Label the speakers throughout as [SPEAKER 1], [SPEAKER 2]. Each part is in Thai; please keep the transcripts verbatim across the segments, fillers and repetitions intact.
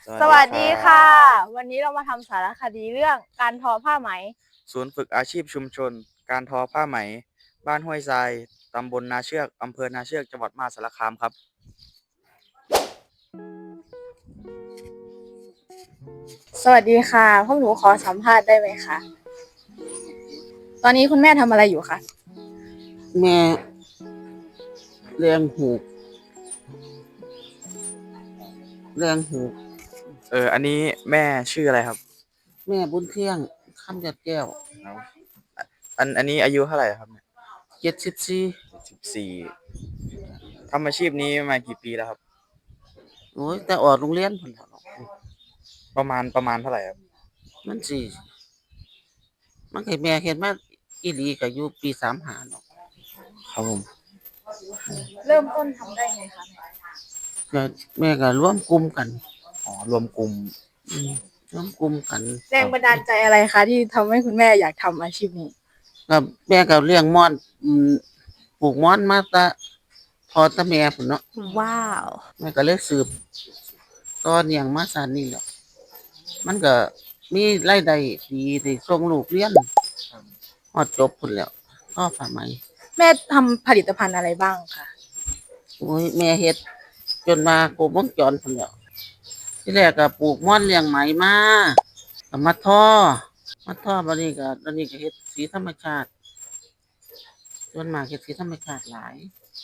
[SPEAKER 1] สวั
[SPEAKER 2] สวัส
[SPEAKER 1] สดีครั
[SPEAKER 2] ดีค่ะ
[SPEAKER 1] บ
[SPEAKER 2] วันนี้เรามาทำสารคดีเรื่องการทอผ้าไหม
[SPEAKER 1] ศูนย์ฝึกอาชีพชุมชนการทอผ้าไหมบ้านห้วยทรายตำบลนาเชือกอำเภอนาเชือกจังหวัดมหาสารคามครับ
[SPEAKER 2] สวัสดีค่ะพวกหนูขอสัมภาษณ์ได้ไหมคะตอนนี้คุณแม่ทำอะไรอยู่คะ
[SPEAKER 3] แม่เลี้ยงหูกเลี้ยงหูก
[SPEAKER 1] เอออันนี้แม่ชื่ออะไรครับ
[SPEAKER 3] แม่บุญเที่ยงคำยัดแก้ว
[SPEAKER 1] อันอันนี้อายุเท่าไหร่ครับเนี่ย
[SPEAKER 3] เจ็ดสิบสี่
[SPEAKER 1] สิบสี่ทำอาชีพนี้มากี่ปีแล้วครับ
[SPEAKER 3] โอ้ยแต่ออกโรงเรียนพุ่นแล้วเนาะ
[SPEAKER 1] ประมาณประมาณเท่าไหร่ครับ
[SPEAKER 3] มันสิมันให้แม่เฮ็ดมาอีหลีก็อยู่ปีสามห้าเนาะ
[SPEAKER 1] ครับผม
[SPEAKER 2] เริ่มต้นทำได้ไงคะ
[SPEAKER 3] ก็แม่ก็ร่วมกลุ่มกัน
[SPEAKER 1] อ๋อรวมกลุ่ม
[SPEAKER 3] อืมร่วมกลุ่มกัน
[SPEAKER 2] แรงบันดาลใจอะไรคะที่ทำให้คุณแม่อยากทำอาชีพนี้
[SPEAKER 3] ก็แม่ก็เลี้ยงม่อนอืมปลูกม่อนมาแต่พอแต่แม่พุ่นเนาะ
[SPEAKER 2] ว้าว
[SPEAKER 3] แม่ก็เลยสืบต่อเนื่องมาซานนี้แหละมันก็มีรายได้ดีได้ส่งลูกเรียนฮอดจบพุ่นแล้วพอผ้าไหม
[SPEAKER 2] แม่ทำผลิตภัณฑ์อะไรบ้างคะ
[SPEAKER 3] โอ้ยแม่เฮ็ดจนมาครบวงจรพุ่นแหล้วที่แรกก็ปลูกม่อนเลี้ยงไหมมาก็มาทอมาทอบัดนี้ก็ตอนนี้ก็เฮ็ดสีธรรมชาติส่วนมากเฮ็ดสีธรรมชาติหลาย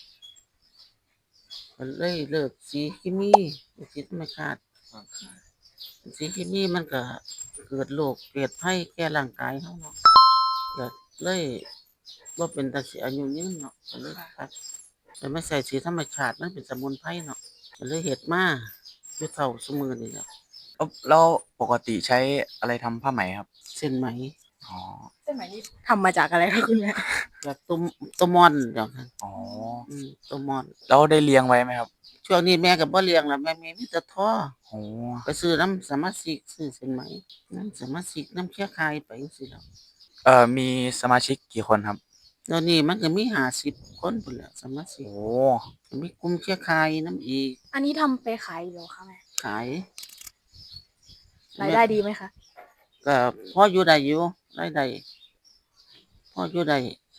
[SPEAKER 3] ก็เลยเลิกสีเคมีเฮ็ดสีธรรมชาติสีเคมีมันก็เกิดโรคเกิดภัยแก่ร่างกายเฮาเนาะก็เลยบ่เป็นตาสิอายุยืนเนาะก็เลยตัดแต่ไม่ใส่สีธรรมชาติมันเป็นสมุนไพรเนาะก็เลยเฮ็ดมาอยู่เท่าซุมื้อนี้แหละ
[SPEAKER 1] แล้วแล้วปกติใช้อะไรทำผ้าไหมครับ
[SPEAKER 3] เส้นไหม
[SPEAKER 1] อ๋อ
[SPEAKER 2] เส้นไหมนี่ทำมาจากอะไรคะคุณแม่
[SPEAKER 3] แบบต้มต้มม่อนเดี๋ยวนั้น
[SPEAKER 1] อ๋อ
[SPEAKER 3] อืมต้มม่อน
[SPEAKER 1] แล้วได้เลี้ยงไว้ไหมครับ
[SPEAKER 3] ช่วงนี้แม่ก็บ่เลี้ยงแล้วแม่มีมีแต่ท่อ
[SPEAKER 1] โอ้
[SPEAKER 3] ไปซื้อน้ำสมาชิกซื้อเส้นไหมน้ำสมาชิกน้ำเครือข่ายไปจังซี่แหล้ว
[SPEAKER 1] เอ่อมีสมาชิกกี่คนครับ
[SPEAKER 3] ตอนนี้มันก็มีห้าสิบคนพุ่นแหล้วสมาชิก
[SPEAKER 1] โอ้
[SPEAKER 3] ก็มีกลุ่มเครือข่ายนำอีก
[SPEAKER 2] อันนี้ทำไปขายอยู่คะแม่
[SPEAKER 3] ขาย
[SPEAKER 2] รายได้ดีไหมคะ
[SPEAKER 3] ก็พออยู่ได้อยู่รายได้พออยู่ได้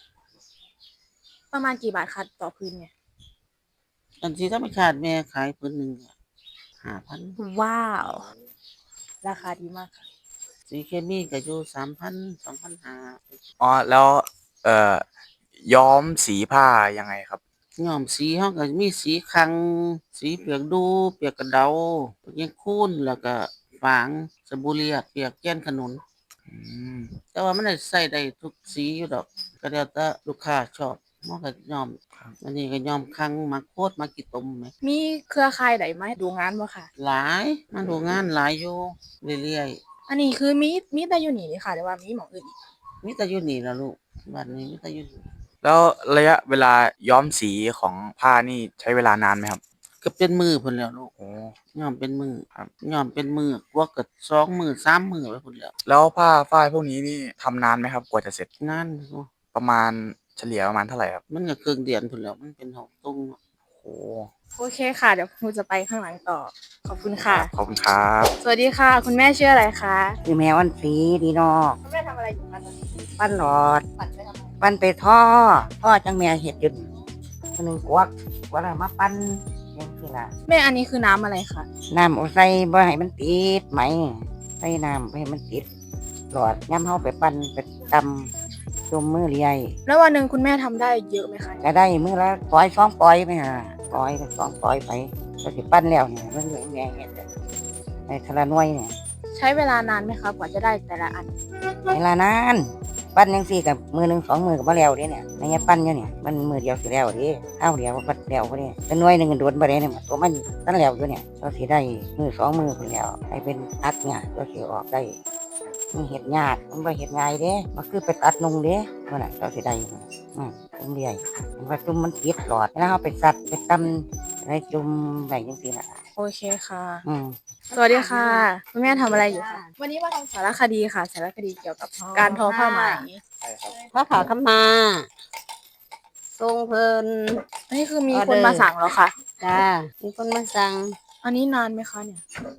[SPEAKER 2] ประมาณกี่บาทคะต่อพื้นเนี่ย
[SPEAKER 3] อันที่ธรรมชาติแม่ขายพื้นหนึงก็ห้าพัน
[SPEAKER 2] ว้าวราคาดีมากค่ะ
[SPEAKER 3] สีเคมีก็อยู่สามพัน สองพันห้าร้อย
[SPEAKER 1] อ๋อแล้วเอ่อย้อมสีผ้ายังไงครับ
[SPEAKER 3] ย้อมสีเฮาก็มีสีคังสีเปียกดูเปียกกระเดาเปียกหยังคูนแล้วก็ฝางสบู่เรียบเปียกแก้นขนุน
[SPEAKER 1] อืม
[SPEAKER 3] แต่ว่ามันได้ใช้ได้ทุกสีอยู่ดอกก็แล้วแต่ลูกค้าชอบมันก็ย้อมอันนี้ก็ย้อมคังมักโพดมักขี้ตมแหม
[SPEAKER 2] มีเครือข่ายใดมาดูงานบ่ค่ะ
[SPEAKER 3] หลายมาดูงานหลายอยู่เรื่อย
[SPEAKER 2] อันนี้คือมีมีแต่อยู่นี่นี่ค่ะแต่ว่ามีหม้องอื่นอีก
[SPEAKER 3] ๆมีแต่อยู่นี่ล่ะลูกบัดนี้มีแต่อยู่นี่
[SPEAKER 1] แล้วระยะเวลาย้อมสีของผ้านี่ใช้เวลานานไหมครับ
[SPEAKER 3] ก็เป็นมื้อพุ่นแล้วลูก
[SPEAKER 1] โอ้
[SPEAKER 3] ย้อมเป็นมื้อครับย้อมเป็นมื้อกว่าก็สองมื้อสามมื้อไปพุ่นแล้ว
[SPEAKER 1] แล้วผ้าฝ้ายพวกนี้นี่ทำนานไหมครับกว่าจะเสร็จ
[SPEAKER 3] นานอยู่
[SPEAKER 1] ประมาณเฉลี่ยประมาณเท่าไหร่ครับ
[SPEAKER 3] มันก็ครึ่งเดือนพุ่นแหล้วมันเป็นหอกตุงเนาะ
[SPEAKER 1] โอ้
[SPEAKER 2] โอเคค่ะเดี๋ยวครูจะไปข้างหลังต่อขอบคุณ
[SPEAKER 1] ค
[SPEAKER 2] ค่ะ
[SPEAKER 1] รับขอบคุณครับ
[SPEAKER 2] สวัสดีค่ะ คุณแม่ชื่ออะไรคะ
[SPEAKER 4] คือแม่วันสีดีนอก
[SPEAKER 2] คุณแม่ทำอะไรอยู่คะตอนนี้
[SPEAKER 4] ปั้นหลอด
[SPEAKER 2] ปั่นไปทำไม
[SPEAKER 4] ปั้นไปท่อท่อจังแม่เห็ดอยุดคนหนึ่งกวักกวักแล้วมาปั้นยังคือละ
[SPEAKER 2] แม่อันนี้คือน้ำอะไรคะ
[SPEAKER 4] น้ำเอาใส่บ่ให้มันติดไหมใส่น้ำบ่ให้มันติดหลอดย้ำเฮาไปปั้นไปตำจมมือเลีย
[SPEAKER 2] แล้ววันหนึ่งคุณแม่ทำได้เยอะไหมคะ
[SPEAKER 4] ก็ได้มือละปล่อยสองปล่อยไปหาปล่อยก็สองปล่อยไปก็สิปั้นแล้วเนี่ยมันเหลือแม่เห็ดในทะละหน่วยเนี่ย
[SPEAKER 2] ใช้เวลานานไหมคะกว่าจะได้แต่ละอัน
[SPEAKER 4] เวลานานปั้นยังสี่กับมือหนึ่งสองมือกับมะแล้วเด้เนี่ยในเงี้ยปั้นอยู่เนี่ยมันมือเดียวสิแล้วเด้ข้าวเดียวก็ปั้นแล้วพอดีเป็นหน่วยหนึ่งโดนบ่ได้เนี่ยตัวมันตั้งแล้วอยู่เนี่ยเราสิได้มือสองมือคนแล้วให้เป็นอัดเนี่ยเราสิออกได้มันเห็ดยากมันบ่เห็ดง่ายเด้มันคือไปตัดนงเด้เมื่อไหร่เราสิได้อืมจุ่มเดียมันว่าจุ่มมันติดหลอดแล้วเราไปสัดไปตำอะไรจุ่มแบบยังสี่น่ะ
[SPEAKER 2] โอเคค่ะ
[SPEAKER 4] อืม
[SPEAKER 2] สวัสดีค่ะคุณแม่ทำอะไรอยู่คะวันนี้มาทำสารคดีค่ะสารคดีเกี่ยวกับการทอผ้าไหม
[SPEAKER 1] ใช่ครับ
[SPEAKER 3] พระผาขมาทรงเพิ่น
[SPEAKER 2] อันนี้คือมีคนมาสั่งแล้วค่ะ
[SPEAKER 3] จ้ามีคนมาสั่ง
[SPEAKER 2] อันนี้นานไหมคะเนี่ย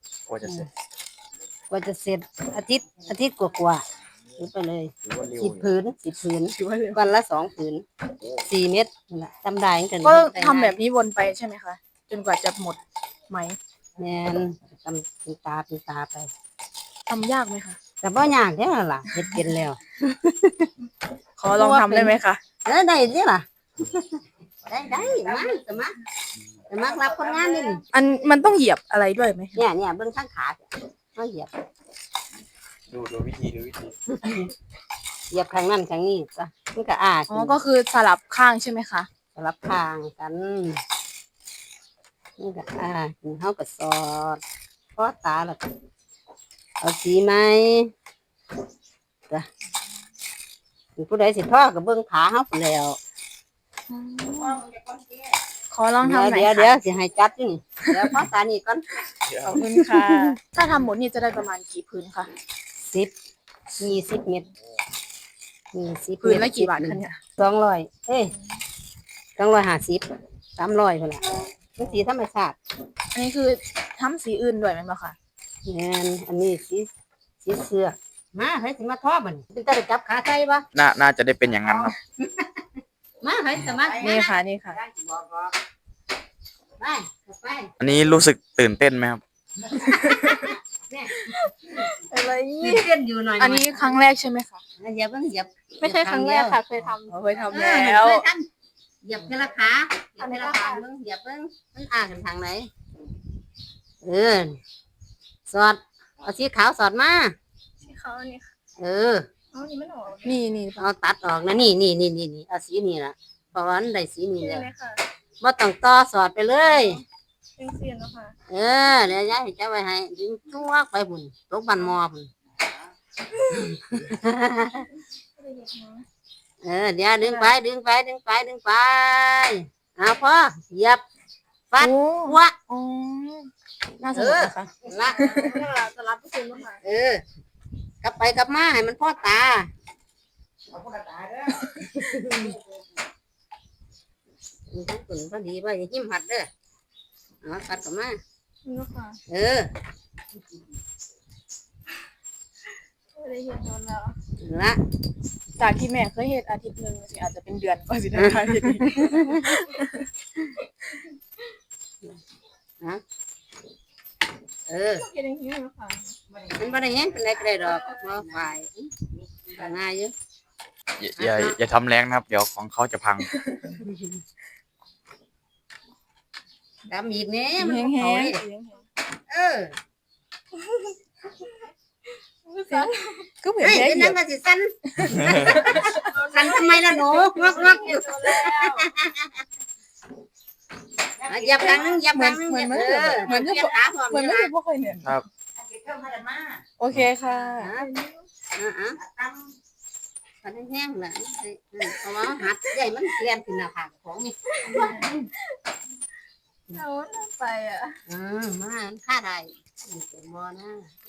[SPEAKER 1] กว่าจะเสร็จ
[SPEAKER 5] กว่าจะเสร็จอาทิตย์อาทิตย์กว่าๆถือไปเลย
[SPEAKER 1] ถือว่าเร็ว
[SPEAKER 5] สิบผืนสิบผืน
[SPEAKER 2] ถือว่าเร็ว
[SPEAKER 5] วันละสองผืนสี่เม็ดนั่นล่ะจำได้ตั้งแต่
[SPEAKER 2] ก็
[SPEAKER 5] เด็ก
[SPEAKER 2] ทำแบบนี้วนไปใช่ไหมคะ จนกว่าจะหมดไหม
[SPEAKER 5] แม่นทำเป็นตาเป็นตาไป
[SPEAKER 2] ทำยากไหมคะ
[SPEAKER 5] แต่บ่ยากเด้อล่ะเฮ็ดเป็นแล้ว
[SPEAKER 2] ขอลองทำได้ไหมคะ
[SPEAKER 5] เออได้เด้อล่ะ ได้ได้มาสมัครสมัครรับคนงานนี่
[SPEAKER 2] อันมันต้องเหยียบอะไรด้วยไหม
[SPEAKER 5] เนี่ยเนี่ยเบิ่งข้างขาเขาเหยียบ
[SPEAKER 1] ดูดูวิธีดูวิธี
[SPEAKER 5] เหยียบข้างนั้นข้างนี้จ้ะมันก็อ้า
[SPEAKER 2] อ๋อ ก็คือสลับข้างใช่ไหมคะ
[SPEAKER 5] สลับข้างกันมันก็อ้าเฮาก็สอดพอตาแล้วก็เอาสีไหมจ้ะผู้ใดสิท่อก็เบิ่งขาเฮาพู้นแล้ว
[SPEAKER 2] ขอลองทำหน่อย
[SPEAKER 5] เดี๋ยว
[SPEAKER 2] ค่ะ
[SPEAKER 5] เดี๋ยวสิให้จัดอยู่นี่เดี๋ยวพอตานี่ก่อน
[SPEAKER 2] ขอบคุณค่ะ ถ้าทำหมดนี่จะได้ประมาณกี่พื้นคะ
[SPEAKER 5] สิบยี่สิบเม็ดยี่สิบ
[SPEAKER 2] พื้นละกี่บาทคะเนี่ย
[SPEAKER 5] สองร้อยเอ้ยสองร้อยห้าสิบสามร้อยพุ่นล่ะมันสีธรรมชาติ
[SPEAKER 2] อันนี้คือทำสีอื่นด้วยไหมบ้างคะ
[SPEAKER 5] แม่นอันนี้สีสีเสือกมาให้สิมาทอบัดนี้เป็นตาได้จับขาใส่บ่
[SPEAKER 1] น่าน่าจะได้เป็นอย่างนั้นครับ
[SPEAKER 5] มาให้สมัคร
[SPEAKER 2] นี่ค่ะ นี่ค่ะ
[SPEAKER 5] ไปไป
[SPEAKER 1] อันนี้รู้สึกตื่นเต้นไหมครับ
[SPEAKER 2] อะไร
[SPEAKER 5] ยืดเส้นอยู่หน่อย
[SPEAKER 2] อันนี้ครั้งแรกใช่ไหมคะ
[SPEAKER 5] เหยียบเพิ่งเหยียบ
[SPEAKER 2] ไม่ใช่ครั้งแรกค่ะ เคยทำเคยทำ
[SPEAKER 5] เอ
[SPEAKER 2] แล้
[SPEAKER 5] อ
[SPEAKER 2] ว
[SPEAKER 5] เคยทำเหยียบทีละขาเหยียบทีละขาเบิ่งเหยียบเบิ่งมันอ่ากันทางไหนเออสอดเอาสีขาวสอดมา
[SPEAKER 2] ที่เขานี่ค่ะ
[SPEAKER 5] เออ
[SPEAKER 2] อ๋อนี่ไม่ออกนี่นี่
[SPEAKER 5] เอาตัดออกนะนี่นี่นี่นี่นี่เอาสีนี่ล่ะเพราะว่ามันได้สีนี่
[SPEAKER 2] ใช่
[SPEAKER 5] แล้ว
[SPEAKER 2] ไหมคะ
[SPEAKER 5] บ่ต้องต่อสอดไปเลย
[SPEAKER 2] เป็นเสียนแล้วค่ะ
[SPEAKER 5] เออเดี๋ยวยายจะไว้ให้ดึงตัวไปบุญตกบันมอบุญเออเดี๋ยวดึงไปดึงไปดึงไปดึงไปเอาพอเหยียบฟัด
[SPEAKER 2] โอ้
[SPEAKER 5] หัว
[SPEAKER 2] อ๋อน่าสนุกนะคะ
[SPEAKER 5] ละ
[SPEAKER 2] จะรับผู้ชมแล้วค่ะ
[SPEAKER 5] เออกลับไปกลับมาให้มันพ่อตามันทั้งตุนพอดีว่าอย่าหิ้มหัดเด้อเอาฟัดกลับมา
[SPEAKER 2] นี่ค่ะ
[SPEAKER 5] เออ
[SPEAKER 2] ได้เห็นโดนแล้ว
[SPEAKER 5] ละ
[SPEAKER 2] จากที่แม่เคยเห็นอาทิตย์หนึ่งสิอาจจะเป็นเดือนกว่าสิได้ค่ะทีนี้
[SPEAKER 5] นะเออ
[SPEAKER 2] เห็นอย่างนี้ไหมคะ
[SPEAKER 5] มันบ่ได้แห้งเป็นไรก็ได้ดอกมาฝ่ายก็ง่ายอยู่
[SPEAKER 1] อย่าอย่าอย่าทำแรงนะครับ เดี๋ยวของเขาจะพัง
[SPEAKER 5] ดำอีกแน่มัน
[SPEAKER 2] แห้ง
[SPEAKER 5] บ่
[SPEAKER 2] แห้
[SPEAKER 5] เข้าง เลยเออ
[SPEAKER 2] ก็เหมือน
[SPEAKER 5] เฮ้ย
[SPEAKER 2] แค่
[SPEAKER 5] เป็น
[SPEAKER 2] เหยี
[SPEAKER 5] นั
[SPEAKER 2] ย
[SPEAKER 5] ง
[SPEAKER 2] บ
[SPEAKER 5] ก็สิสั่นสั่นทำไมล่ะหนูงอกงอกอยู่อ่ะเหยียบครั้งนึงเหยียบครั้งนึง
[SPEAKER 2] เหมือน
[SPEAKER 5] เห
[SPEAKER 2] เหมือน
[SPEAKER 5] เปลี่ยนขาพร้อม
[SPEAKER 2] เหมือน
[SPEAKER 5] นี่
[SPEAKER 2] ไม่
[SPEAKER 5] ล่ะ
[SPEAKER 2] เคยพวกเคยเนี่ย
[SPEAKER 1] ครับ
[SPEAKER 2] โอเคค่ะ
[SPEAKER 5] อ่ะอ่ะพันแห้งๆล่ะเพราะว่าหัดใหญ่มันเปลี่ยนขึ้นหน้าผากของนี่
[SPEAKER 2] เอาไปอ่ะ
[SPEAKER 5] อืมมาค่าได้นี่เป็นบ่นะ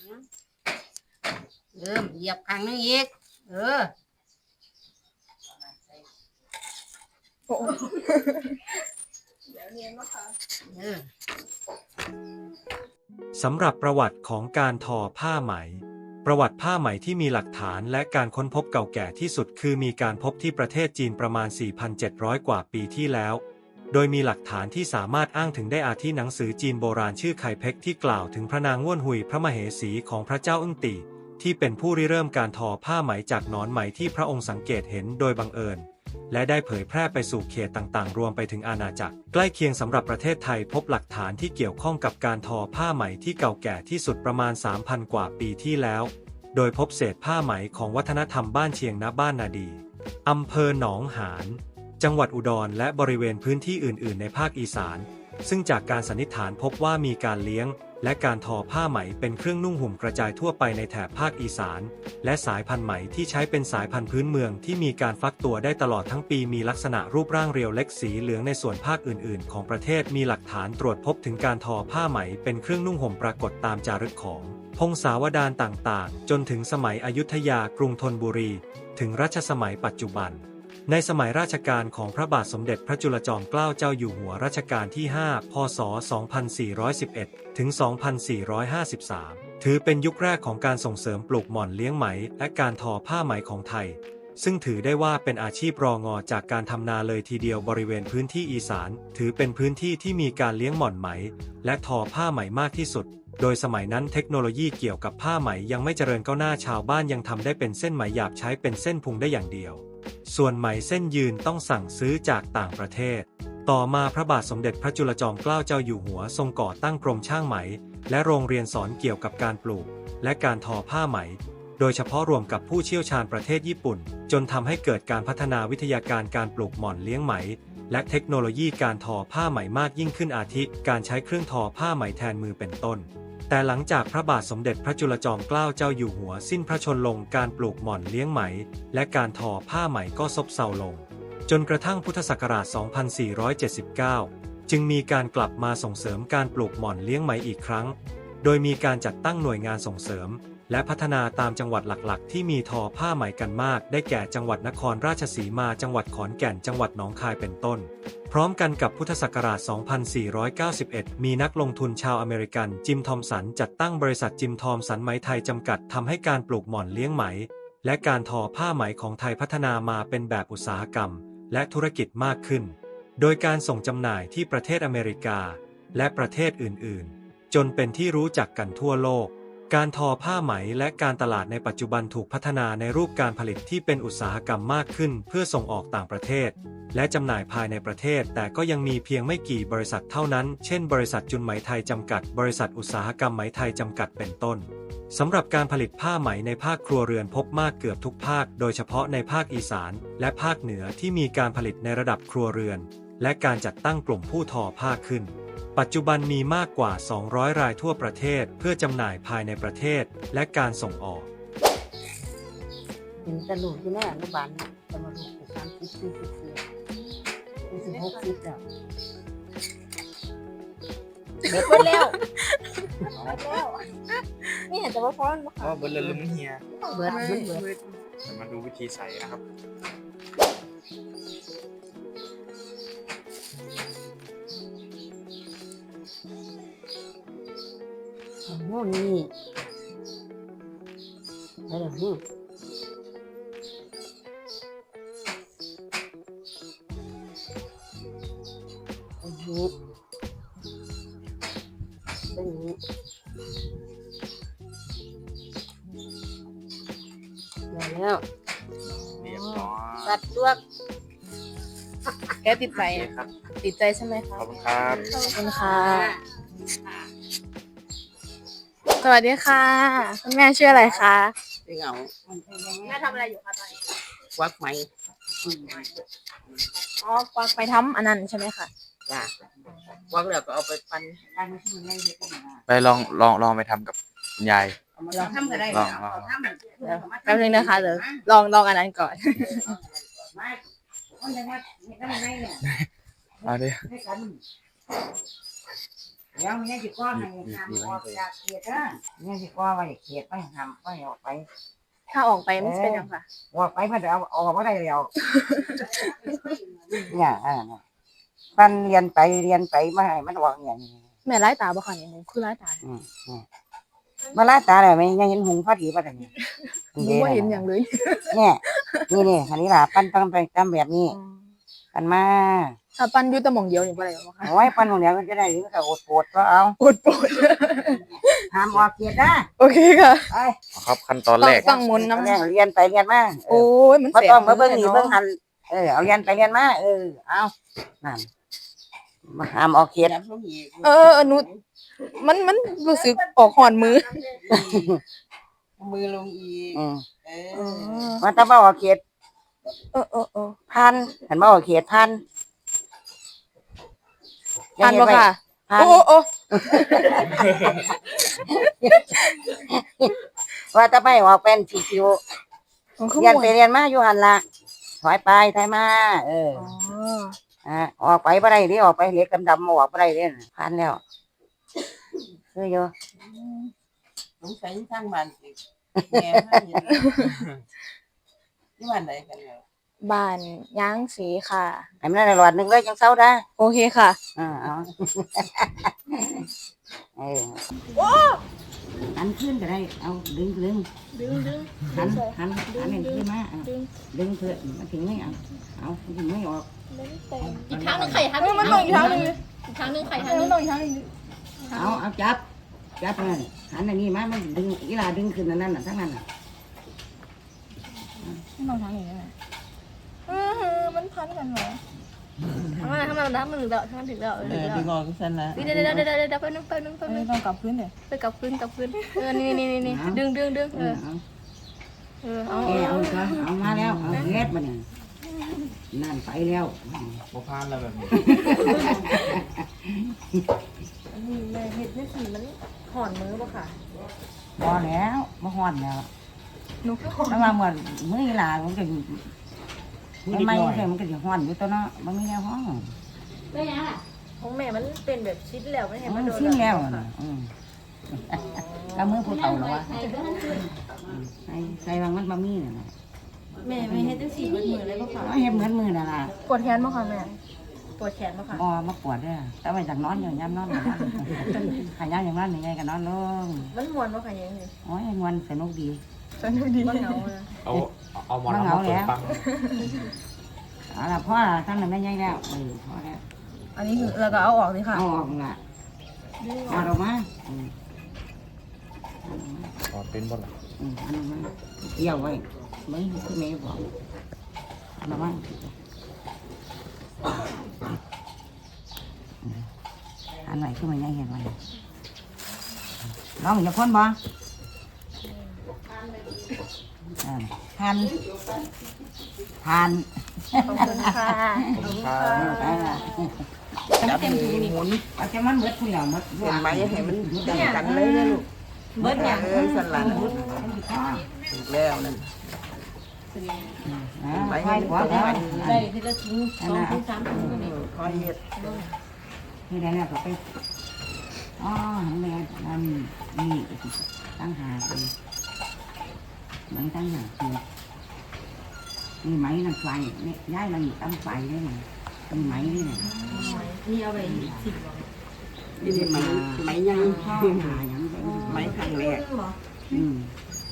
[SPEAKER 5] เออเหยียบครั้งนึงอีกเออ
[SPEAKER 2] โอ้
[SPEAKER 5] เออ
[SPEAKER 6] สำหรับประวัติของการทอผ้าไหม ประวัติผ้าไหมที่มีหลักฐานและการค้นพบเก่าแก่ที่สุดคือมีการพบที่ประเทศจีนประมาณ สี่พันเจ็ดร้อย กว่าปีที่แล้ว โดยมีหลักฐานที่สามารถอ้างถึงได้อาทิหนังสือจีนโบราณชื่อไคเพ็กที่กล่าวถึงพระนางง่วนหุยพระมเหสีของพระเจ้าอึ้งตี่ที่เป็นผู้ริเริ่มการทอผ้าไหมจากหนอนไหมที่พระองค์สังเกตเห็นโดยบังเอิญและได้เผยแพร่ไปสู่เขตต่างๆรวมไปถึงอาณาจักรใกล้เคียงสำหรับประเทศไทยพบหลักฐานที่เกี่ยวข้องกับการทอผ้าไหมที่เก่าแก่ที่สุดประมาณ สามพัน กว่าปีที่แล้วโดยพบเศษผ้าไหมของวัฒนธรรมบ้านเชียงณบ้านนาดีอำเภอหนองหานจังหวัดอุดรและบริเวณพื้นที่อื่น ๆ ในภาคอีสานซึ่งจากการสันนิษฐานพบว่ามีการเลี้ยงและการทอผ้าไหมเป็นเครื่องนุ่งห่มกระจายทั่วไปในแถบภาคอีสานและสายพันธุ์ไหมที่ใช้เป็นสายพันธุ์พื้นเมืองที่มีการฟักตัวได้ตลอดทั้งปีมีลักษณะรูปร่างเรียวเล็กสีเหลืองในส่วนภาคอื่น ๆ ของประเทศมีหลักฐานตรวจพบถึงการทอผ้าไหมเป็นเครื่องนุ่งห่มปรากฏตามจารึกของพงศาวดารต่างๆจนถึงสมัยอยุธยากรุงธนบุรีถึงรัชสมัยปัจจุบันในสมัยราชการของพระบาทสมเด็จพระจุลจอมเกล้าเจ้าอยู่หัวรัชกาลที่ ห้า พ.ศ. สองพันสี่ร้อยสิบเอ็ด ถึง สองพันสี่ร้อยห้าสิบสาม ถือเป็นยุคแรกของการส่งเสริมปลูกหม่อนเลี้ยงไหมและการทอผ้าไหมของไทย ซึ่งถือได้ว่าเป็นอาชีพรองอจากการทำนาเลยทีเดียวบริเวณพื้นที่อีสานถือเป็นพื้นที่ที่มีการเลี้ยงหม่อนไหมและทอผ้าไหมมากที่สุดโดยสมัยนั้นเทคโนโลยีเกี่ยวกับผ้าไหมยังไม่เจริญก้าวหน้าชาวบ้านยังทำได้เป็นเส้นไหมหยาบใช้เป็นเส้นพุงได้อย่างเดียวส่วนไหมเส้นยืนต้องสั่งซื้อจากต่างประเทศต่อมาพระบาทสมเด็จพระจุลจอมเกล้าเจ้าอยู่หัวทรงก่อตั้งกรมช่างไหมและโรงเรียนสอนเกี่ยวกับการปลูกและการทอผ้าไหมโดยเฉพาะรวมกับผู้เชี่ยวชาญประเทศญี่ปุ่นจนทำให้เกิดการพัฒนาวิทยาการการปลูกหม่อนเลี้ยงไหมและเทคโนโลยีการทอผ้าไหมมากยิ่งขึ้นอาทิการใช้เครื่องทอผ้าไหมแทนมือเป็นต้นแต่หลังจากพระบาทสมเด็จพระจุลจอมเกล้าเจ้าอยู่หัวสิ้นพระชนม์ลงการปลูกหม่อนเลี้ยงไหมและการทอผ้าไหมก็ซบเซาลงจนกระทั่งพุทธศักราช สองพันสี่ร้อยเจ็ดสิบเก้า จึงมีการกลับมาส่งเสริมการปลูกหม่อนเลี้ยงไหมอีกครั้งโดยมีการจัดตั้งหน่วยงานส่งเสริมและพัฒนาตามจังหวัดหลักๆที่มีทอผ้าไหมกันมากได้แก่จังหวัดนครราชสีมาจังหวัดขอนแก่นจังหวัดหนองคายเป็นต้นพร้อมกันกับพุทธศักราช สองพันสี่ร้อยเก้าสิบเอ็ด มีนักลงทุนชาวอเมริกันจิมทอมสันจัดตั้งบริษัทจิมทอมสันไหมไทยจำกัดทำให้การปลูกหม่อนเลี้ยงไหมและการทอผ้าไหมของไทยพัฒนามาเป็นแบบอุตสาหกรรมและธุรกิจมากขึ้นโดยการส่งจำหน่ายที่ประเทศอเมริกาและประเทศอื่นๆจนเป็นที่รู้จักกันทั่วโลกการทอผ้าไหมและการตลาดในปัจจุบันถูกพัฒนาในรูปการผลิตที่เป็นอุตสาหกรรมมากขึ้นเพื่อส่งออกต่างประเทศและจำหน่ายภายในประเทศแต่ก็ยังมีเพียงไม่กี่บริษัทเท่านั้นเช่นบริษัทจุนไหมไทยจำกัดบริษัทอุตสาหกรรมไหมไทยจำกัดเป็นต้นสำหรับการผลิตผ้าไหมในภาคครัวเรือนพบมากเกือบทุกภาคโดยเฉพาะในภาคอีสานและภาคเหนือที่มีการผลิตในระดับครัวเรือนและการจัดตั้งกลุ่มผู้ทอผ้าขึ้นปัจจุบันมีมากกว่า สองร้อย รายทั่วประเทศเพื่อจำหน่ายภายในประเทศและการส่งออก
[SPEAKER 5] เห็นแต่ลูกอยู่ในอนุบาลนะจะมาลูกสามสิบสี่สิบสี่สี่สิบหกสิบแล้วเด็กไปแล้วแล้วนี่เห็นแต่ว่าฟ้อนบ่
[SPEAKER 1] อ๋อเบิร์ดเลยลืมเฮีย
[SPEAKER 5] เบิดมันเบิด
[SPEAKER 1] จะมาดูวิธีใส่นะครับ
[SPEAKER 5] โอ้โหนี่ไปแล้วนี่อันนี้อันนี้ได้แล้ว
[SPEAKER 1] เรียบร้อย
[SPEAKER 5] ตัดลวก
[SPEAKER 2] แกติดใจ
[SPEAKER 1] โอเคครับ
[SPEAKER 2] ติดใจใช่ไหมคะ
[SPEAKER 1] ขอบคุณครับ
[SPEAKER 2] ขอบคุณค่ะสวัสดีค่ะคุณแม่ชื่ออะไรคะ
[SPEAKER 3] ได้เหงา
[SPEAKER 2] แม่ทำอะไรอยู่คะตอนนี้
[SPEAKER 3] ควักไหม
[SPEAKER 2] อ๋อกวางไปทำอันนั้นใช่ไหมคะ
[SPEAKER 3] จ้ะควักแล้วก็เอาไปปั้น
[SPEAKER 1] ไปลองลองลองไปทำกับคุณยาย
[SPEAKER 5] ลองทำก็ได้
[SPEAKER 1] ลองลอง
[SPEAKER 2] เดี๋ยวแป๊บนึงนะคะเดี๋ยวลองลองอันนั้นก่อน
[SPEAKER 1] เอาดิ
[SPEAKER 4] เดี๋ยวแม่สิก้อให้ทำออกจากเขตนะแม่สิก้อไว้เขตไปทำไปออกไป
[SPEAKER 2] ถ้าออกไปมันจะเป็นยังไงคะ
[SPEAKER 4] ออกไปเพื่อเอาออกมาได้แล้วเนี่ยอ่าปันเรียนไปเรียนไปมาให้มันออกอย่างนี้
[SPEAKER 2] แม่ไล่ตาบ่คะเนี่ยหนูคือไล่ตา
[SPEAKER 4] อืมอืมมาลาตาเลยไม่ยังเห็นหุงพอดีป่ะเนี่ย
[SPEAKER 2] หนูไม่เห็นอย่างเลย
[SPEAKER 4] เนี่ยนี่นี่อันนี้ล่ะปั้นต้องไปตามแบบนี้กันมา
[SPEAKER 2] ถ้าปั้นอยุตะหมองเดียวนี่บ่ได้หรอคะ
[SPEAKER 4] เอาไว้ปั้นตรงเนี้ยมันจะได้หรือก็อดปวดก็เอา
[SPEAKER 2] ปวดปวด
[SPEAKER 4] ห้ามออกเกียรนะ
[SPEAKER 2] โอเคค่ะ
[SPEAKER 4] ไป
[SPEAKER 1] ครับขั้นตอนแรก
[SPEAKER 2] ต้องหมุนน้ำ
[SPEAKER 4] เรียนเรียนไปเรียนมา
[SPEAKER 2] โอ้ยมัน
[SPEAKER 4] มา
[SPEAKER 2] เสีย
[SPEAKER 4] ต้องมาเบิ่งนี่เบิ่งหันเออเอาเรียนไปเรียนมาเออเอานั่นมาห้ามออกเกียร
[SPEAKER 3] จับลูกอีก
[SPEAKER 2] เออเออหนูมันมันรู้สึกออกหอนมือ
[SPEAKER 3] มือลงอีก
[SPEAKER 4] อืม
[SPEAKER 3] เอ
[SPEAKER 2] เอ
[SPEAKER 3] อ
[SPEAKER 2] อ
[SPEAKER 4] มาตะบ่ออกเกียร
[SPEAKER 2] เออเออเออ
[SPEAKER 4] พันเห็นบ่ออกเกียรพัน
[SPEAKER 2] อ่านบ่ค่ะ
[SPEAKER 4] พัน
[SPEAKER 2] โอ้โอ้
[SPEAKER 4] ว่าจะไปออกเป็นสีคิว
[SPEAKER 2] มันคือ
[SPEAKER 4] เรียน
[SPEAKER 2] หม
[SPEAKER 4] ไป
[SPEAKER 2] วย
[SPEAKER 4] เรียนมาอยู่หันละถอยไปถอยมาเออ
[SPEAKER 2] อ๋อ
[SPEAKER 4] อ่าออกไปบ่ได้ดิออกไปเหล็กดำๆออกบ่ได้เด้พันแล้วคืออยู่
[SPEAKER 3] สงสัยทางบ้านสิแม่มาเห็นที่บ้านใดกันแล้ว
[SPEAKER 2] บ้านย้างสีค่ะ
[SPEAKER 4] ให้มันได้หลอดหนึงเลยจังเซาได้
[SPEAKER 2] โอเคค่ะ
[SPEAKER 4] อ่าเอา เออหันขึ้นก็ได้เอาดึงดึง
[SPEAKER 2] ดึงดึง
[SPEAKER 4] หันหันหันเห็นขึ้นมาเอาดึงเพื่อมันถึงไม่เอาเอามันถึงไม่ออก
[SPEAKER 7] อีกครั้งหนึงไข่ทันมันลงอีกครั้งหนึงอีกครั้งหนึงไข่ทัน
[SPEAKER 2] มันต้องอีกครั้งหนึง
[SPEAKER 4] เอาเอาจับจับนั่นหันอันนี้มามันดึงอีหลาดึงขึ้นอันนั้นน่ะทั้งนั้นน่ะ
[SPEAKER 2] มันต้องทำอย่างนี้ไหมเออมันพันกันเหรอ
[SPEAKER 7] ทำไมทำไมมันถึงแล้วทำไมถึงแล้ว
[SPEAKER 3] เอ
[SPEAKER 7] ถึ
[SPEAKER 3] อง
[SPEAKER 7] แล้ว
[SPEAKER 3] ดึงออกซั่นนะ
[SPEAKER 7] เดี๋ยวเดี๋ยวเดี๋ยวเดี๋ยวเดี๋ยวแป๊บนึงแป๊บนึงแป๊บ
[SPEAKER 2] เอ
[SPEAKER 7] นึ
[SPEAKER 2] อง ต้องกลับพื้นเลย
[SPEAKER 7] ไปกลับพื้นกลับพื้นเออนี่นี่นี่นี่ดึงดึงดึง
[SPEAKER 4] เอ
[SPEAKER 7] เอ
[SPEAKER 4] อ
[SPEAKER 7] อ
[SPEAKER 4] เอา
[SPEAKER 7] เออเอา
[SPEAKER 4] เออเอาซะเอามาแล้วเอาเฮ็ดมาเนี่ยนั่นไปแล้ว
[SPEAKER 1] บ่พานแล้วแบบนี้
[SPEAKER 2] อันนี้แม่เห็ดนี่สีมันห่อนมือป่ะค่ะ
[SPEAKER 4] พอแล้วมาฮ้อนแล้ว
[SPEAKER 2] หนูก็ห่อน
[SPEAKER 4] ถ้ามาเหมือนมื้ออีหลามันก็ไม่ไม่ใช่มันก็สิฮ้อนอยู่ตัวเนาะบ่มีแนวฮ้อน
[SPEAKER 2] ของแม่มันเป็นแบบชิ้นแล้วไม่เห็น
[SPEAKER 4] มั
[SPEAKER 2] มัน
[SPEAKER 4] น
[SPEAKER 2] โดน
[SPEAKER 4] สิ้นแล้วน่ะอืมก็มือผู้เฒ่าแล้ววะใส่ใส่บางมันบะมี่น่ะนะ
[SPEAKER 2] แม่ไม่เห็ดจังสีมันมือเลยป่ะค่ะ
[SPEAKER 4] เอาเฮ็ดเหมือนมือน่ะล่ะ
[SPEAKER 2] ปวดแขนป่ะค่ะแม่ปวดแขนป่ะค่ะ
[SPEAKER 4] บ่มาปวดเด้อแต่ว่าจากนอนอยู่ยามนอนอยู่นะขายามอย่างนั้นยังไงก็นอนลง
[SPEAKER 2] มันมวนป่ะค่ะยังไง
[SPEAKER 4] โอ้ยงวนสนุกดี
[SPEAKER 2] สนุกดีมันเหงาเลย
[SPEAKER 1] เอาเอาหมอน
[SPEAKER 4] มันเห
[SPEAKER 1] เอา
[SPEAKER 4] งา
[SPEAKER 1] มาเปิ
[SPEAKER 4] แล้
[SPEAKER 1] ด
[SPEAKER 4] ว
[SPEAKER 1] ฟัง
[SPEAKER 4] เอาล่ะพ่อทั้งนั้นไม่ใหญ่แล้วเออพอแล้ว
[SPEAKER 2] อันนี้คือเราก็เอาออกเลยค่ะ
[SPEAKER 4] เอาออกล่ะเอาออกมาอืม
[SPEAKER 1] อ๋อเป็นบ่ล่ะ
[SPEAKER 4] อืมอันนั้นมาเกี่ยวไว้ไม่คือแม่บอกเอาละมั้งอันไหนคือมันใหญ่เห็นไหมลองอย่าพ่นบ่อ่าทานทาน
[SPEAKER 2] ขอบคุณค่ะ
[SPEAKER 1] ผมพา
[SPEAKER 3] จับมือหมุน
[SPEAKER 4] เอาจะมันเบิดผู้เหล่ามัด
[SPEAKER 3] เห็นไหมให้มันดังกันเลยนะลูก
[SPEAKER 2] เบิดอย่าง
[SPEAKER 3] เออสั่นหลังถูกแล้วนั่น
[SPEAKER 4] ไปให้หัวแล้ว
[SPEAKER 2] ได้ทีละถุงสองถุงสามถุงก็มี
[SPEAKER 3] คอยเฮ็ด
[SPEAKER 4] ที่ไหนเนี่ยก็ไปอ๋อแม่นั่นนี่ตั้งหาคือไหมตั้งหาคือนี่ไหมนั่นไฟเนี่ยย้ายมันตั้งไฟได้ไหมเป็นไหมนี่นะ
[SPEAKER 2] นี่เอาไปสิบ
[SPEAKER 3] นี่ไหมไหมยัง
[SPEAKER 4] พ่อหาอย่างไร
[SPEAKER 3] ไหมครั้งแรก
[SPEAKER 4] อืม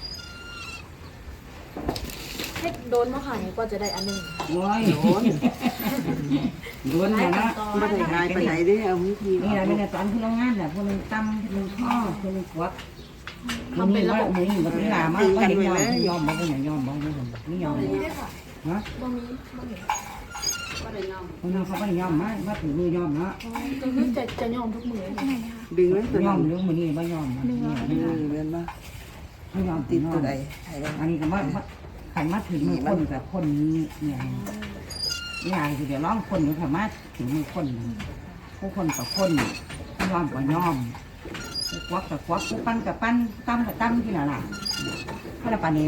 [SPEAKER 2] ให้โดนมาขายกว่าจะได้อันหนึ่ง
[SPEAKER 4] โอ้ยโดนโดนอย่างนั้น
[SPEAKER 3] ไม่ได้หายไปไหนเด้เอาวิธี
[SPEAKER 4] นี่แหละไม่ได้ตอนที่โรงงานแหละพวกนึงตั้มพวกนึงข้อพวกนึงขวดทำเป็นระบบมือแบบนี้ล่ะมาก็เห็นยอมยอมบอกว่าอย่างยอมบอกว่าไม่ยอมฮะคนนั้นเขาไม่ยอมมาว่าถือมือยอมเนาะ
[SPEAKER 2] ก็คือจะจะยอมทุกมือ
[SPEAKER 3] ดึงแล้วตัวย
[SPEAKER 4] อมเรื่องมือนี่ไม่ยอมนี่
[SPEAKER 3] ดึงเรียนมา
[SPEAKER 4] ไม่ยอม
[SPEAKER 3] ติดตัวใด
[SPEAKER 4] อันนี้ก็ว่าขันมาถึงมือคนกับคนนี้เนี่ยนี่อะไรคือเดี๋ยวร้องคนอยู่ขันมาถึงมือคนผู้คนกับคนยอมกับยอมควักกับควักปั้นกับปั้นตั้มกับตั้มที่ไหนล่ะพระปานี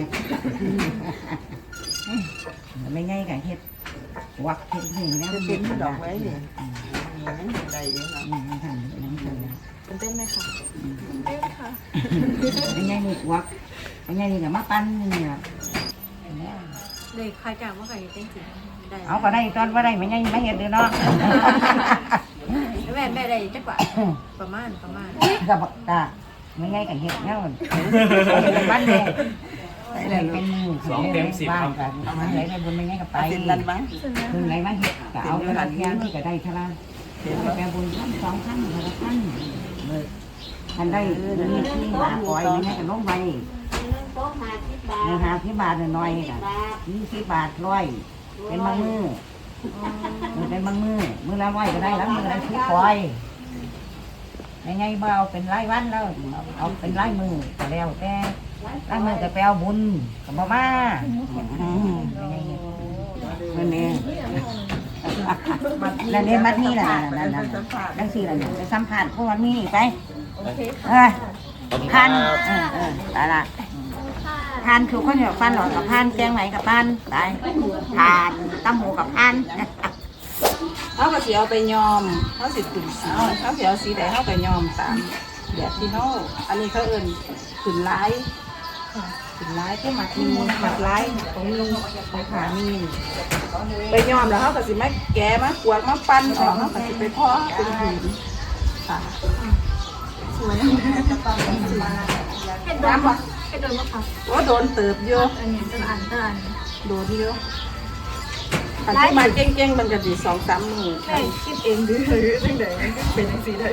[SPEAKER 4] ไม่ง่ายกับเฮ็ดวักเฮ็ดนี่แล้ว
[SPEAKER 3] จะเป็นดอกไว้เนี่ยได้ยังไง
[SPEAKER 4] อืมทำนั่งทำ
[SPEAKER 2] ตื่นเต้นไหมคะเต้นค่ะ
[SPEAKER 4] ไม่ง่ายนี่วักไม่ง่ายนี่กับมาปั้นนี่ล่ะ
[SPEAKER 2] เด็กใครกล่าวว่าใครเต้นจริงได้
[SPEAKER 4] เอาก็ได้ตอนว่าได้ไม่ง่ายไม่เห็นเลยเนาะ
[SPEAKER 2] แม่แม่ได้จักว่าประมาณประมาณ
[SPEAKER 4] กับตาไม่ง่ายกับเฮ็ดแล้วบ้านเนี่ยเป็นมือสองเต็มสิบครับเอามาไหนไปบนไม่ง่ายกับไป
[SPEAKER 3] เป็นนั่นบ้าง
[SPEAKER 4] คืนไหนมาเฮ็ดก็เอาเวลาเที่ยงที่ก็ได้เท่านั้นแปลบุญท่านสองท่านเท่าท่านเลยท่านได้มีที่หาปล่อยไม่ง่ายกับลงไปในหาที่บาทหน่อยกันยี่สิบบาทร้อยเป็นบางมือมือเป็นบางมือมือละร้อยก็ได้แล้วมือละที่ปล่อยยังไงเบาเป็นรายวันแล้วเอาเป็นรายมือก็แล้วแต่รายมือก็แปลบุญกับมาม่านั่นเองนั่นเองมัดนี่แหละนั่นนั่นนั่นสี่ละไปสัมผัสพวกมันนี่ไปเออพันเออเอออะไรพันคือคนแบบพันหลอดกับพันแกงไหนกับพันไปทานตั้มหูกับพัน
[SPEAKER 3] เขาก็สิเอาไปยอมเขาสิขึ้นสีเขาสิเอาสีใดเขาก็ยอมตามแบบที่เขาอันนี้เขาเอิ้นขึ้นลายข
[SPEAKER 5] ขึ้นร้ายคือหมักมีหมักร้ายของมีของขามีไปย้อมแล้วเขาก็สิมาแกะมากวดมาปั้นออกเขาก็สิไปเพาะเป็นผืนค่ะสวยเห็ดโดนปะเห็ดโดนปะคะว่าโดนเติบเยอะอันนี้เป็นอันเท่าอันโดนเยอะอันที่มาเก่งๆมันก็ดีสองสามมือแม่คิดเองดื้อตั้งแต่เป็นอย่างสีได้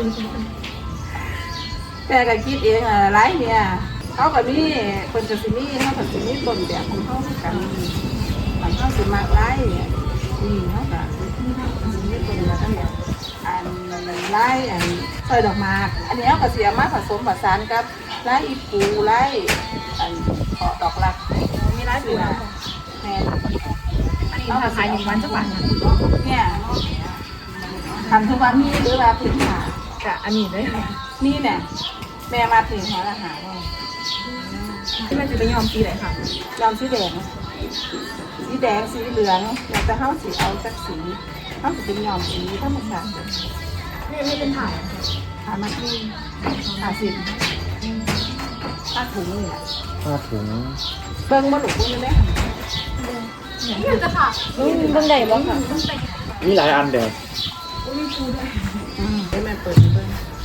[SPEAKER 5] แม่ก็คิดเองอ่ะไรเนี่ยเขากับนี่คนกับสินี่เขากับสินี่ต้นแบบของเขากันบางเขาสิมากไรเนี่ยนี่เขากับสินี่ต้นแบบทั้งแบบอันไรอันซอยดอกหมากอันนี้เขากับเสียมาผสมผสานกับไรอีปูไรอันขอดอกรักมีไรปูแม่อันนี้เขาขายหนึ่งวันจะวันเนี่ยทำทุกวันนี้หรือว่าพื้นฐานกะอันนี้ได้นี่เนี่ยแม่มาถึงหาอาหารว่าที่แม่จะไปยอมสีไหนค่ะยอมสีแดงสีแดงสีเหลืองอยากจะเข้าสีเอาจากสีเข้าสีเป็นยอมสีธรรมชาตินี่ไม่เป็นถ่ายถ่ายมาที่ถ่ายสิผ้าถุงนี่แหละ
[SPEAKER 1] ผ้าถุง
[SPEAKER 5] เบิ้งมาหลุกเบิ้งเลยไหมนี่จะค่ะ
[SPEAKER 2] เบิ่งได้บ่ค่ะ
[SPEAKER 1] มีหลายอันเด้อ
[SPEAKER 5] อืมให้แม่เปิดเบิ้ง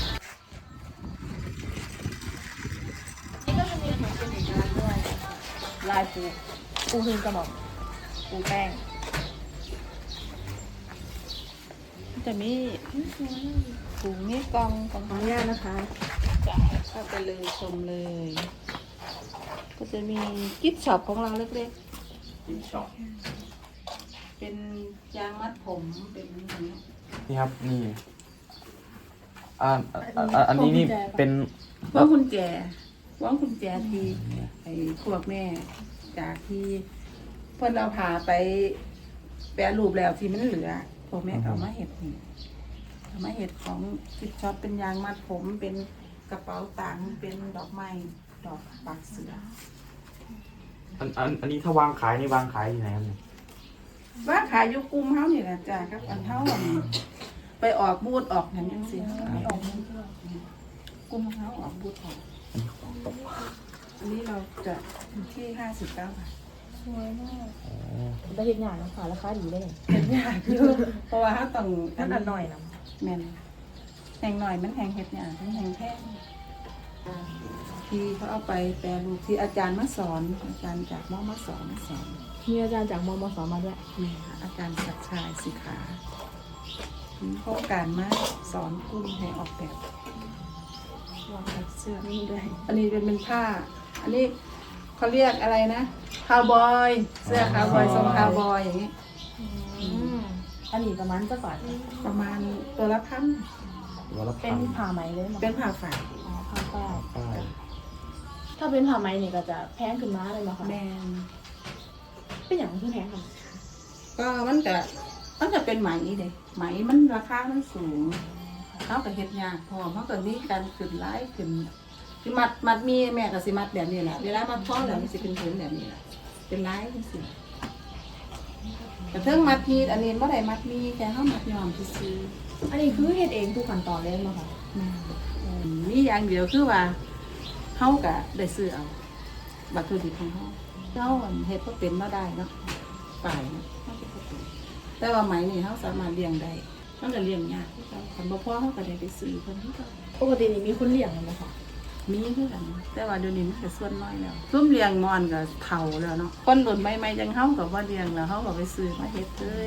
[SPEAKER 2] ลายปูปูคือกระบอกปูแป้ง
[SPEAKER 5] จะมีถุงนี่กองกองขออนุญาตนะคะเข้าไปเลยชมเลย ก็จะมีกิฟต์ช็อปของเราเล็กๆ
[SPEAKER 1] กินช็อป
[SPEAKER 5] เป็นยางมัดผมเป็นอย่างนี้
[SPEAKER 1] นี่ครับนี่อ่าอ่าอ่าอันนี้นี่เป็น
[SPEAKER 5] พวกคุณแจพวกคุณแจทีไอ้พวกแม่จากที่เพื่อนเราพาไปแปรรูปแล้วที่มันเหลือพวกแม่ก็เอามาเห็ดนี่เอามาเห็ดของกิฟต์ช็อปเป็นยางมัดผมเป็นกระเป๋าตังค์เป็นดอกไม้ดอกปากเสือ
[SPEAKER 1] อันอันอันนี้ถ้าวางขายนี่วางขายที่ไหนครับเนี่ย
[SPEAKER 5] ว่าขายอยุกุมเฮานี่แหละจ้าครับอันเฮาอันไปออกบูธออกนั่นจังซี่ไปออกบูธกุมเฮาออกบูธออกอันนี้เราจะอยู่ที่ห้าสิบเก้าบาท
[SPEAKER 2] สวยมากได้เห็นอย่างนะค่ะราคาดีได้ไง
[SPEAKER 5] เป็นยากอยู่เพราะว่าเฮาต้อง
[SPEAKER 2] ท่านอันหน่อยนะ
[SPEAKER 5] แม่นแหงหน่อยมันแหงเฮ็ดยากมันแหงแพงที่เขาเอาไปแปรรูปที่อาจารย์มาสอนอาจารย์จากมอมาสอนมาสอน
[SPEAKER 2] มีอาจารย์จากมมสมาด้วย
[SPEAKER 5] นี่ค่ะอาจารย์ศักดิ์ชายสิขามีโครงการมาสอนกลุ่มให้ออกแบบวางแบบเสื้อนี่ด้วย อันนี้เป็นเป็นผ้า อันนี้เขาเรียกอะไรนะคาวบอยเสื้อคาวบอยทรงคาวบอยอย่างนี้
[SPEAKER 2] อันนี้ประมาณจะบาท
[SPEAKER 5] ประมาณตัวละพัน
[SPEAKER 1] วันละ
[SPEAKER 2] เป็
[SPEAKER 1] พั
[SPEAKER 2] น
[SPEAKER 1] น
[SPEAKER 2] ผ้าไหมเลยมั้ง
[SPEAKER 5] เป็นผ้าฝ่าย
[SPEAKER 2] อ๋อผ้าฝ้าย
[SPEAKER 1] ป้าย
[SPEAKER 2] ถ้าเป็นผ้าไหมนี่ก็จะแพงขึ้นมาเลยมั้งคะ
[SPEAKER 5] แมน
[SPEAKER 2] เป็นอย่างที่แพงค่ะ
[SPEAKER 5] ก็มันจะมันจะเป็นไหมเด็ไหมมันราคามันสูงเขากับเฮ็ดยากพอเพราะตอนนี้การขึ้นไล่ขึ้นคือมัดมัดมีแม่กับสิมัดแบบนี้แหละเวลามัดท้อแล้วมันสิเป็นผืนแบบนี้แหละเป็นไล่จังซี่แต่เทิงมัดมีอันนี้บ่ได้มัดมีแค่เฮามัดยอมซื่อ
[SPEAKER 2] อันนี้คือเฮ็ดเองทุกขั้นตอนเลยมั้งคะ
[SPEAKER 5] ๆแม่อืมมีอย่างเดียวคือว่าเฮาก็ได้ซื้อเอาวัตถุดิบของเฮาเฮาอันเฮ็ดบ่เป็นบ่ได้เนาะฝ่ายเนาะเฮาเฮ็ดบ่เป็นแต่ว่าไหมนี่เฮาสามารถเลี้ยงได้มันก็เลี้ยงยากคือกันคันบ่พอเฮาก็ได้ไปซื้อเพิ่นคือกัน
[SPEAKER 2] ปกตินี่มีคนเลี้ยงมั้งคะ
[SPEAKER 5] มีคือกันแต่ว่าเดี๋ยวนี้มันก็ส่วนน้อยแล้วซุ่มเลี้ยงมอนก็เฒ่าแล้วเนาะคนรุ่นใหม่ๆจังเฮาก็บ่เลี้ยงแล้วเฮาก็ไปซื้อมาเฮ็ดเลย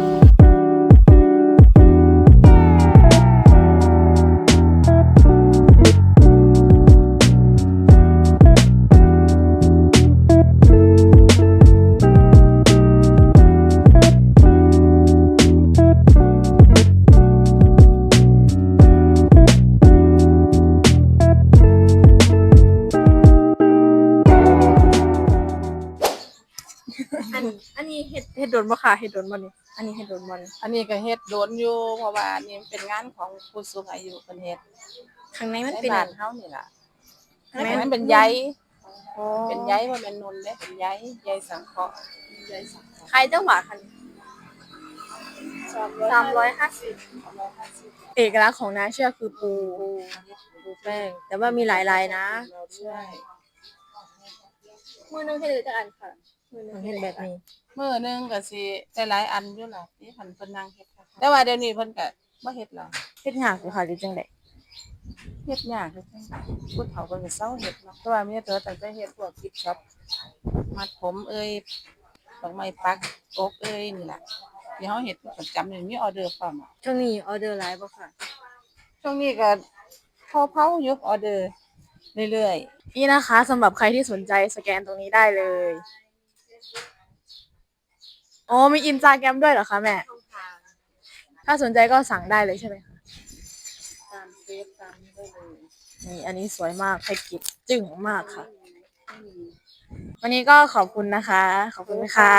[SPEAKER 2] อันอันนี้เฮ็ดเฮ็ดโดนบ่ค่ะเฮ็ดโดนบ่นี่อันนี้เฮ็ดโดนบ่นี่
[SPEAKER 5] อันนี้ก็เฮ็ดโดนอยู่เพราะว่าอันนี้เป็นงานของผู้สูงอายุเพิ่นเฮ็ด
[SPEAKER 2] ข้างในมัน
[SPEAKER 5] ใน
[SPEAKER 2] เป็น
[SPEAKER 5] บ้านเฮานี่ล่ะ
[SPEAKER 2] ข้างใน
[SPEAKER 5] มั
[SPEAKER 2] มัน
[SPEAKER 5] น
[SPEAKER 2] เป็
[SPEAKER 5] เป็น นใย
[SPEAKER 2] อ๋อ
[SPEAKER 5] เป็นใยบ่แม่นนุ่นเด้เป็นใยใยสังเคราะห์ใยสังเคราะห์
[SPEAKER 2] ขายจังหวะค่ะสามร้อยห้าสิบเอกลักษณ์ของน้าเชื่อคือปูปูแป้ง แต่ว่ามีหลายลายนะ
[SPEAKER 5] ใช่
[SPEAKER 2] มือหนึงเฮ็ดได้จักอันค่ะมือหนึง
[SPEAKER 7] เห็นแบบนี้
[SPEAKER 5] มื้อหนึงก็สิได้หลายอันอยู่ล่ะที่คันเพิ่นนั่งเฮ็ดค่ะแต่ว่าเดี๋ยวนี้เพิ่นก็บ่เฮ็ดแล้ว
[SPEAKER 2] เฮ็ดยากอยู่ค่ะหรือจังได๋
[SPEAKER 5] เฮ็ดยากคือจังผู้เฒ่าเพิ่นก็เซาเฮ็ดเนาะแต่ว่ามีแต่ตั้งแต่เฮ็ดพวกกิฟต์ช็อปมัดผมเอ่ยดอกไม้ปักอกเอ่ยนี่ล่ะที่เฮาเฮ็ดประจำนี่มีออเดอร์พร้อมอะ
[SPEAKER 2] ช่วงนี้ออเดอร์หลายบ่ค่ะ
[SPEAKER 5] ช่วงนี้ก็เผาๆอยู่ออเดอร์เรื่อยๆ
[SPEAKER 2] นี่นะคะสำหรับใครที่สนใจสแกนตรงนี้ได้เลยอ๋อมี Instagram ด้วยเหรอคะแม่ถ้าสนใจก็สั่งได้เลยใช่ไหมคะ
[SPEAKER 5] ตามเฟซตามนี้ได้เลย
[SPEAKER 2] นี่อันนี้สวยมากให้กิบจึ้งมากค่ะ วันนี้ก็ขอบคุณนะคะ ขอบคุณค่ะ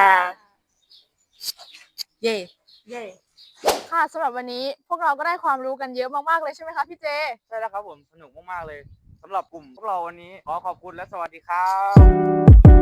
[SPEAKER 2] เย่เย่ค่ะสำหรับวันนี้พวกเราก็ได้ความรู้กันเยอะมากๆเลยใช่ไหมคะพี่เจ
[SPEAKER 1] ใช่แล้วครับผมสนุกมากๆเลยสำหรับกลุ่มพวกเราวันนี้ขอขอบคุณและสวัสดีครับ